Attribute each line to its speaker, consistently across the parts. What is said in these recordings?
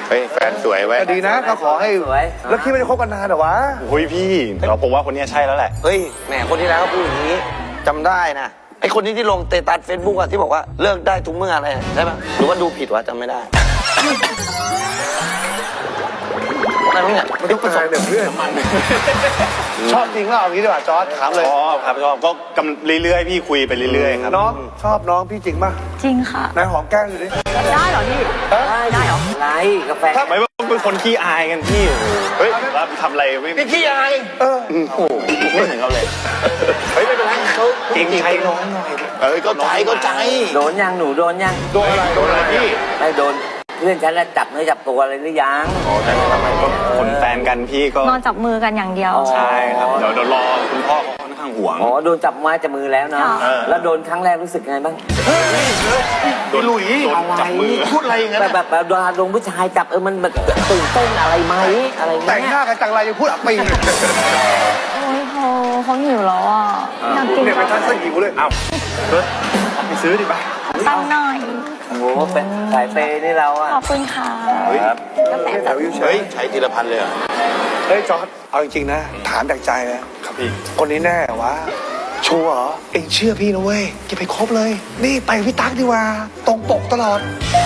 Speaker 1: เฮ้ยแฟนสวยไว้
Speaker 2: ก็ดีนะก็ขอให้แล้วคิดไม่ได้คบกันนานเหรอวะ
Speaker 3: โอ้ยพี่ผมว่าคนนี้ใช่แล้วแหละ
Speaker 4: เฮ้ยแหมคนที่แล้วก็พูดอย่างนี้จำได้นะไอคนที่ลงเตตัสเฟซบุ๊กอะที่บอกว่าเลิกได้ทุกเมื่ออะไรใช่ปะหรือว่าดูผิดวะจำไม่ได้อะไรมั้งเนี่ย
Speaker 2: มันต้องประสบเดี๋ยวเพื่อนชอบจริงหรือเปล่าอย่างนี้ดีกว่าจอร์จถามเลย
Speaker 3: ชอบครับชอบก็กำเรื่อยๆพี่คุยไปเรื่อยๆครับ
Speaker 2: น้องชอบน้องพี่จริงป่ะ
Speaker 5: จริงค่ะ
Speaker 2: นายหอมแก้มอยู่ดิ
Speaker 5: ได้เหรอพี่ ได้เหรอ
Speaker 4: อะไรกาแฟ
Speaker 3: ไม่ว่าเป็นคนขี้อายกันพี่เฮ้ยแล้วทำอะไรไม่
Speaker 4: พี่ขี้อาย
Speaker 3: ไม่เหมือนเขาเลย
Speaker 4: เฮ้ยไม่เป็นไรเขา
Speaker 3: เก่งใจน้องหน่อย
Speaker 1: เข้าใจ
Speaker 4: โดนยังหนูโดนยัง
Speaker 2: โดนอะไรพี่
Speaker 4: ไม่โดนเพื่อนฉันแล้วจับเนื้อจับตัวอะไรหรือยัง
Speaker 3: คนแฟนกันพี่ก็
Speaker 5: นอนจับมือกันอย่างเดียว
Speaker 3: ใช่ครับเดี๋ยวรอคุณพ่อเขาค่อนข้างห่วง
Speaker 4: อ๋อโดนจับไม้จับมือแล้วเนาะ
Speaker 5: ค่ะ
Speaker 4: แล้วโดนครั้งแรกรู้สึกไงบ้าง
Speaker 3: โดนจับมือ
Speaker 1: พูดอะไรอย่างนั้น
Speaker 4: แบบโดนผู้ชายจับมันแบบตื่นเต้นอะไรไหมอะไร
Speaker 2: แต่ง
Speaker 4: เงี้
Speaker 2: หน้าย กันจังไรยังพูดอับปี
Speaker 5: โอ้ยเขาหิวแล้วอ่ะอยากกิน
Speaker 2: เนี่ยไปทันสกิวเลย
Speaker 3: อ้าวเฮ้ยเอาไปซื้อดิป่ะ
Speaker 5: ตั้งหน่อย
Speaker 4: โอ้โหเป็นสายเปย์นี่เราอะ
Speaker 5: ขอบคุณค่ะ
Speaker 3: ครับ
Speaker 5: กาแฟ
Speaker 2: แถ
Speaker 5: จัด
Speaker 2: วอยู่เฉ
Speaker 1: เฮ้
Speaker 2: ย
Speaker 1: ยใช้ทีละพันเลยเหรอ
Speaker 2: เฮ้ยจอร์จเอาจริงๆนะถามจากใจเลย
Speaker 3: ครับพี่
Speaker 2: คนนี้แน่วะชัวร์เหรอเอ็งเชื่อพี่นะเว้ยอย่าไปคบเลย นี่ไปพี่ตั๊กดีกว่าตรงปกตลอด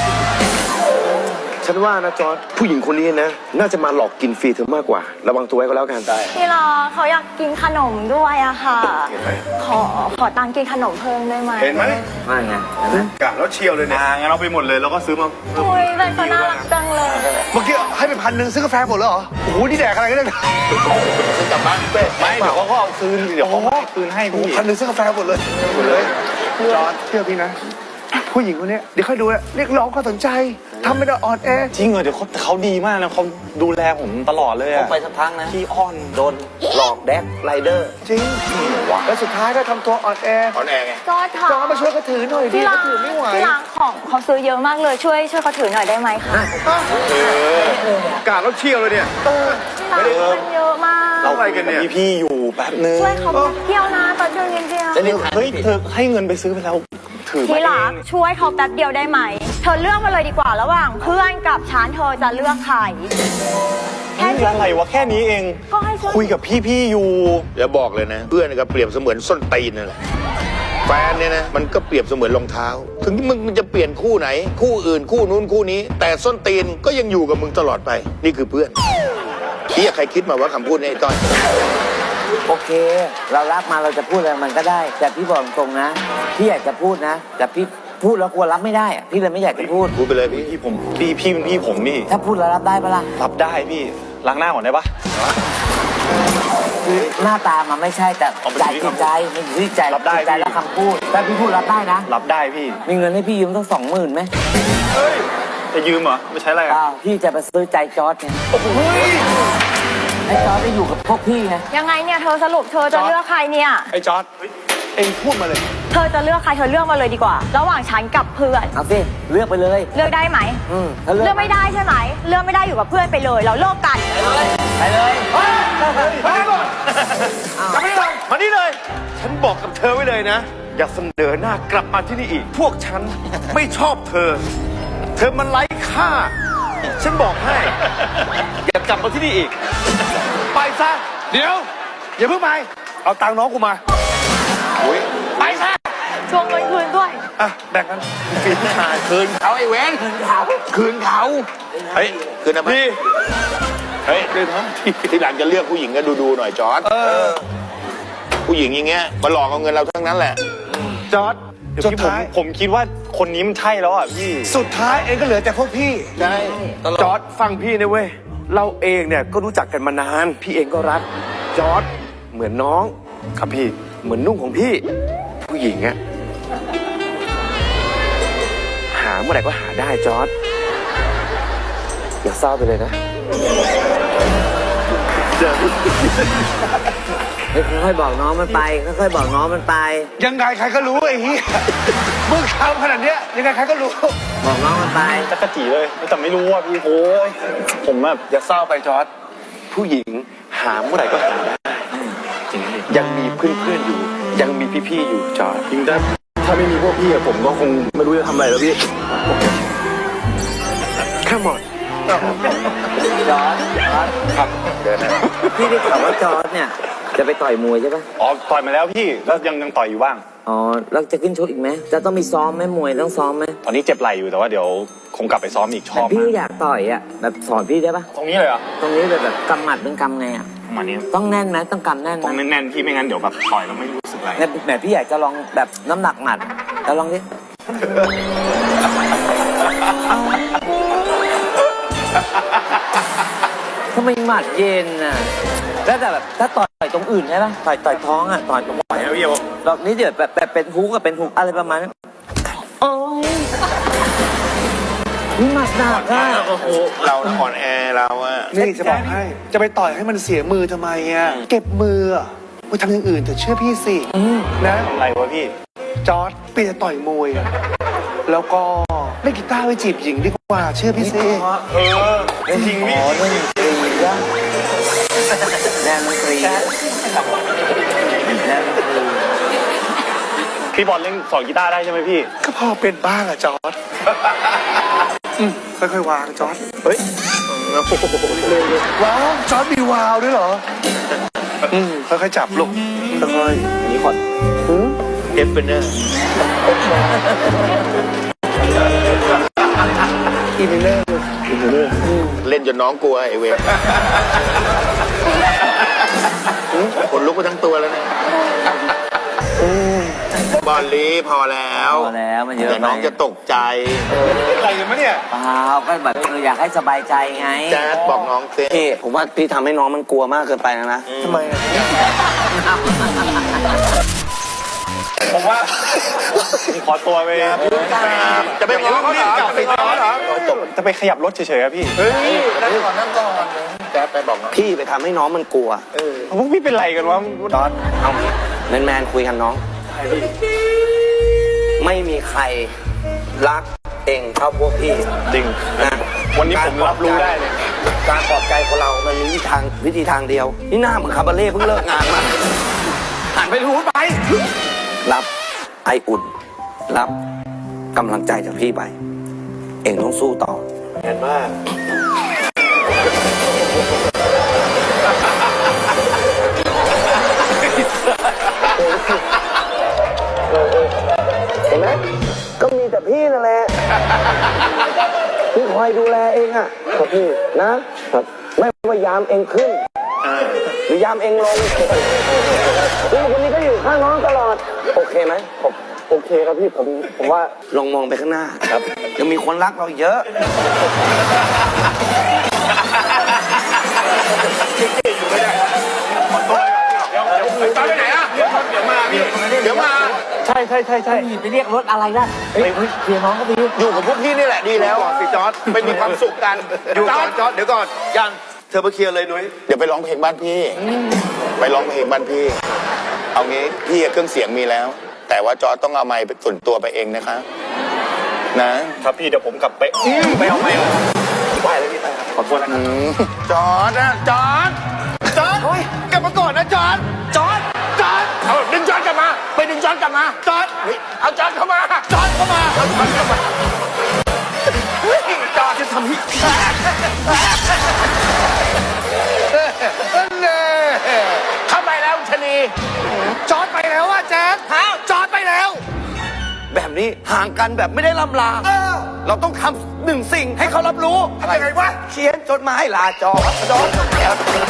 Speaker 6: ฉันว่านะจอร์จผู้หญิงคนนี้นะน่าจะมาหลอกกินฟรีเธอมากกว่า ระวังตัวไว้ก็แล้วกันได้
Speaker 5: พี่รอเขาอยากกินขนมด้วยอะค่ะ ขอตังค์กินขนมเพิ่มได้ไหม
Speaker 2: เห็นไหม
Speaker 4: ว่าไงเห็นไหม
Speaker 2: กะแล้วเชียวเลยเนี่ย
Speaker 3: งั้นเอาไปหมดเลยแล้วก็ซื้อมา
Speaker 5: โอ้ยแต่เขาน่ารักจังเลย
Speaker 2: เมื่อกี้ให้ไป1,000ซื้อกาแฟหมดแล้วเหรอโอ้โหนี่แดกอะไรกันเนี่ย
Speaker 1: กลับบ้านเป๊ะ
Speaker 3: ไม่เดี๋ยวเขาก็เอาคืนเดี๋ยวเขาให้คืนให้
Speaker 2: โอ้โห
Speaker 3: พี่
Speaker 2: 1,000ซื้อกาแฟหมดเลยจอร์จเชื่อพี่นะ ผู้หญิงคนนี้เดี๋ยวค่อยดูนะเรียกร้องความสนใจทำไม่ได้อ่อนแอ
Speaker 3: จริงเหรอเดี๋ยวเขาดีมากนะเขาดูแลผมตลอดเลย
Speaker 4: เขา
Speaker 3: อะ
Speaker 4: ไปสักพักนะ
Speaker 3: พี่อ้อน
Speaker 4: โดนหลอกแดกไรเดอร์
Speaker 2: จริงแล้วสุดท้ายก็ทำตัวอ่อนแอ
Speaker 1: ถอนแอร์ไง
Speaker 5: จอร์จค่ะ
Speaker 2: จอร์จมาช่วยเขาถือหน่อยดิ
Speaker 5: ที่
Speaker 2: เขา
Speaker 5: ร้าน
Speaker 2: ถือไม่ไหว
Speaker 5: ที่ร้านของเขาซื้อเยอะมากเลยช่วยเขาถือหน่อยได้ไหมคะ
Speaker 6: กาดแล้วเชี่ยวเลยเนี่ย
Speaker 5: ที่ร้านมันเยอะมาก
Speaker 3: เราไปกันเนี่ยพี่อยู่แป๊บนึง
Speaker 5: ช่วยเขาเที่ยวนะตอนเที่ยวเดียว
Speaker 3: เฮ้ยเธอให้เงินไปซื้อไปแล้วถือ
Speaker 5: ที่
Speaker 3: มาเอ
Speaker 5: รัก
Speaker 3: ง
Speaker 5: ช่วยเขาแป๊บเดียวได้ไหม เธอเลือกมาเลยดีกว่าระหว่างเพื่อนกับฉันเธอจะเลือกใครแค่
Speaker 3: นี่
Speaker 5: นี้
Speaker 3: อะไรวะแค่นี้เอง
Speaker 5: ก็ให้ช่วย
Speaker 3: คุยกับพี่อยู่
Speaker 1: เดี๋ยวบอกเลยนะ เพื่อนก็เปรียบเสมือนส้นตีนนั่นแหละแฟนเนี่ยนะมันก็เปรียบเสมือนรองเท้า ถึงมึงจะเปลี่ยนคู่ไหน คู่อื่นคู่นู้นคู่นี้ แต่ส้นตีนก็ยังอยู่กับมึงตลอดไป นี่คือเพื่อนใครคิดมาว่าคำพูดนี้ไอ้ต้อย
Speaker 4: โอเค เรารับมาเราจะพูดอะไรมันก็ได้ แต่พี่บอกตรงนะพี่อยากจะพูดนะ แต่พี่พูดแล้วกลัวรับไม่ได้อะพี่เลยไม่อยากจะพูด
Speaker 1: พูดไปเลยพี่
Speaker 3: พี่ผมพี่เป็นพี่ผมนี่
Speaker 4: ถ้าพูดแล้วรับได้ปะล่ะ
Speaker 3: รับได้พี่ล้างหน้าก่อนได้ปะ
Speaker 4: คือหน้าตามันไม่ใช่แต่
Speaker 3: เอาไป
Speaker 4: ใจ
Speaker 3: ที่
Speaker 4: จิตใจมันอยู่ที่ใจ
Speaker 3: รับได้
Speaker 4: จิตใจ
Speaker 3: พี่
Speaker 4: และคำพูดแต่พี่พูดรับได้นะ
Speaker 3: รับได้พี่
Speaker 4: มีเงินให้พี่ยืมต้อง20,000ไหม
Speaker 3: จะยืมเหรอไม่ใช้อะไรอะ
Speaker 4: เปล่าพี่จะไปซื้อใจจอร์ดไงให้จอร์ดได้อยู่กับพวกพี่ไง
Speaker 5: ยังไงเนี่ยเธอสรุปเธอจะเลือกใครเนี่ย
Speaker 2: ไอ้จอร์จเอ็งพูดมาเลย
Speaker 5: เธอจะเลือกใครเธอเลือกมาเลยดีกว่า ระหว่างฉันกับเพื่อน
Speaker 4: เอาสิเลือกไปเลย
Speaker 5: เลือกได้ไหม
Speaker 4: ถ้าเลื
Speaker 5: เลื
Speaker 4: อ
Speaker 5: อก กไม่ได้ใช่ไหมเลือกไม่ได้อยู่กับเพื่อนไปเลย เราเลิกกัน
Speaker 4: ไปเลย
Speaker 6: มานี่เลย ฉันบอกกับเธอไว้เลยนะ อย่าเสนอหน้ากลับมาที่นี่อีก พวกฉันไม่ชอบเธอ เธอมันไร้ค่า ฉันบอกให้ อย่ากลับมาที่นี่อีก
Speaker 2: ไปซะเดี๋ยวอย่าเพิ่งไปเอาตังค์น้องกูมาไปซะ
Speaker 5: ชวงเงินคืนด้วย
Speaker 2: อ่ะแบ่งกัน
Speaker 1: คืนเขาไอ้เว้นคืนเขาเฮ้ยคืนนะพี่เฮ้ยทีหลังจะเลือกผู้หญิงก็ดูหน่อยจอร์จผู้หญิงอย่างเงี้ยมาหลอกเอาเงินเราทั้งนั้นแหละ
Speaker 2: จอร์จ
Speaker 3: เดี๋ยว
Speaker 2: สุด
Speaker 3: พี่
Speaker 2: ท้าย
Speaker 3: ผมคิดว่าคนนี้มันใช่แล้วอ่ะพี่
Speaker 2: สุดท้ายเอ็งก็เหลือแต่พวกพี่
Speaker 1: ใช่
Speaker 6: จอร์ดฟังพี่นะเว้ย เราเองเนี่ยก็รู้จักกันมานาน พี่เองก็รัก จอร์ดเหมือนน้อง
Speaker 3: ครับพี่
Speaker 6: เหมือนนุ่งของพี่ ผู้หญิงอะหาเมื่อไหร่ก็หาได้จอร์ดอย่าเศร้าไปเลยนะ
Speaker 4: ค่อยๆบอกน้องมันไปค่อยๆบอกน้องมันไป
Speaker 2: ยังไงใครก็รู้ไอ้เหี้ยมึงทำขนาดเนี้ยยังไงใครก็รู้
Speaker 4: บอกน้องมันไป
Speaker 3: จักรจีเลยแต่ไม่รู้ว่าพี่โอ้ยผมแบบ
Speaker 6: อย่าเศร้าไปจอร์ดผู้หญิงหาเมื่อไหร่ก็หาได้ยังมีเพื่อนๆอยู่ ยังมีพี่ๆอยู่จอร์ด
Speaker 3: จริงถ้าไม่มีพวกพี่อะผมก็คงไม่รู้จะทำอะไรแล้วพี่
Speaker 6: Come on
Speaker 4: จอร์ด
Speaker 3: ครับ
Speaker 1: เดินนะ
Speaker 4: พี่ได้ข่าวว่าจอร์ดเนี่ย จะไปต่อยมวยใช่ปะ
Speaker 3: อ๋อต่อยมาแล้วพี่แล้วยังต่อยอยู่บ้าง
Speaker 4: อ๋อแล้วจะขึ้นชกอีกไหมจะต้องมีซ้อมไหมมวยต้องซ้อมไหม
Speaker 3: ตอนนี้เจ็บไหล่อยู่แต่ว่าเดี๋ยวคงกลับไปซ้อมอีกช
Speaker 4: แต่
Speaker 3: อบ
Speaker 4: พี่
Speaker 3: มาก
Speaker 4: อยากต่อยอ่ะแบบสอนพี่ได้ปะ
Speaker 3: ตรงนี้เลยเหรอ
Speaker 4: ตรงนี้แบบกำหมัดเป็นกำไงอ่ะ
Speaker 3: ประมาณนี้
Speaker 4: ต้องแน่นไหมต้องกำแน่นไห
Speaker 3: ต้อง
Speaker 4: ม
Speaker 3: แน่นๆพี่ไม่งั้นเดี๋ยวแบบต่อยแล้วไม่รู้สึกอะไร
Speaker 4: แบบพี่อยากจะลองแบบน้ำหนักหมัดแล้วลองดิทำไมหมัดเย็นน่ะแล้วแต่แบบถ้าต่อยตรงอื่นใช่ปะต่อยท้องอ่ะต่อยตรงไหน
Speaker 3: แล้วพี่บอก
Speaker 4: ดอกนี้เดี๋ยวแบบเป็นฮุกกับเป็นฮุกอะไรประมาณนั้นโอ้ยนี่หมัดหนักอ่ะ
Speaker 1: โอ้โหเราน่ะอ่อนแอเราอะ
Speaker 2: นี่จะบอกให้ จะไปต่อยให้มันเสียมือทำไมอ่ะ เก็บมืออะไปทำอย่างอื่นแต่เชื่อพี่สินะ
Speaker 3: อะไรวะพี่
Speaker 2: จอร์ดเปลี่ยนต่อยมวยอะแล้วก็เล่นกีตาร์ไปจีบหญิงดีกว่า เชื่อพี่สิ
Speaker 3: จริงพี่
Speaker 4: อ๋อเล่นดนตรีว่ะแดนดนตรีแดนดนตรี
Speaker 3: พี่บอลเล่นสอนกีตาร์ได้ใช่ไหมพี่
Speaker 2: ก็พอเป็นบ้างอะจอร์ดค่อยๆวางจอร์ด
Speaker 3: เฮ้ย
Speaker 2: ว้าวจอร์ดมีวาวด้วยเหรอค่อยๆจับลูกค่อย
Speaker 3: อันนี้ขอ
Speaker 1: เอฟเป็นเนอร์
Speaker 2: ๆอินเนอร์
Speaker 1: เล่นจนน้องกลัวไอ้เวรคนลุกไปทั้งตัวแล้วเนี่ยบอลลีพอแล้ว
Speaker 4: พอแล้วมันเยอะ
Speaker 1: เดี๋ยวน้องจะตกใจ
Speaker 3: อะไรกันมะเนี่ย
Speaker 4: เปล่าก็แบบอยากให้สบายใจไง
Speaker 1: แจ๊ดบอกน้องเต้
Speaker 7: พี่ผมว่าพี่ทำให้น้องมันกลัวมากเกินไปนะ
Speaker 2: ทำไมอะ
Speaker 3: ผมว่าขอตัวไป
Speaker 1: จะไปง้อเขาเหรอจะไปง้อเหรอ
Speaker 3: จะไปขยับรถเฉยๆครับพี่
Speaker 1: เฮ้ยนั่งก่อนนั่งก่อนแจ๊ดไปบอกน้อง
Speaker 7: พี่ไปทำให้น้องมันกลัว
Speaker 3: พวกพี่เป็นไรกันวะ
Speaker 7: จอร์ดเอาแมนๆคุยกันน้อง ไม่มีใครรักเองเท่าพวกพี่
Speaker 3: จริง
Speaker 7: นะ
Speaker 3: วันนี้ผมรับรู้ได้เลย
Speaker 7: การปลอบใจคนเรามันมีวิธีทางเดียว นี่หน้าเหมือนคาบาเล่เพิ่งเลิกงานมาหันไปรู้ไป รับไออุ่น รับกำลังใจจากพี่ไป เองต้องสู้ต่อ
Speaker 1: เห็นมาก
Speaker 7: เห็นไหมก็มีแต่พี่นั่นแหละที่คอยดูแลเองอ่ะครับพี่นะครับ ไม่ว่ายามเองขึ้นหรือยามเองลงพี่คนนี้ก็อยู่ข้างน้องตลอด โอเคไหมผมโอเคครับพี่ผมว่าลองมองไปข้างหน้าครับ ยังมีคนรักเราอีกเยอะ
Speaker 1: ไปไหนอะเดี๋ยวมา
Speaker 4: ใช่ไปเรียกรถอะไรนะเฮ้ยเคลียร์น้องก็ดี
Speaker 1: อยู่กับพวกพี่นี่แหละดีแล้วสิจอร์ดไม่มีความสุขกัน
Speaker 6: อยู่ก่อนจอร์ดเดี๋ยวก่อนยังเธอมาเคลียร์เลยนุ้ย
Speaker 1: เดี๋ยวไปร้องเพลงบ้านพี่ ไปร้องเพลงบ้านพี่ เอางี้พี่เครื่องเสียงมีแล้ว แต่ว่าจอร์ดต้องเอาไมค์ส่วนตัวไปเองนะคะนะครับ
Speaker 3: พี่เดี๋ยวผมกลับไปไปเอาไปไหวเลยพี่ไปครับขอโทษนะครับ
Speaker 1: จอร์ดนะจอร์ดกลับมาก่อนนะจอร์ดเอาดึงจอร์ดกลับมาไปดึงจอร์ดกลับมาจอร์ดเฮ้ยเอาจอร์ดเข้ามาจอร์ดเข้ามาเอาจอร์ดเข้ามาเฮ้ยจอร์ดจะทำให้เข้าไปแล้วชะนี
Speaker 2: จอร์ดไปแล้วอะแจ๊ดจอร์ดไปแล้ว
Speaker 7: แบบนี้ห่างกันแบบไม่ได้ล่ำลา เราต้องทำหนึ่งสิ่งให้เขารับรู้ทำยังไงวะเขียนจดหมายลาจอด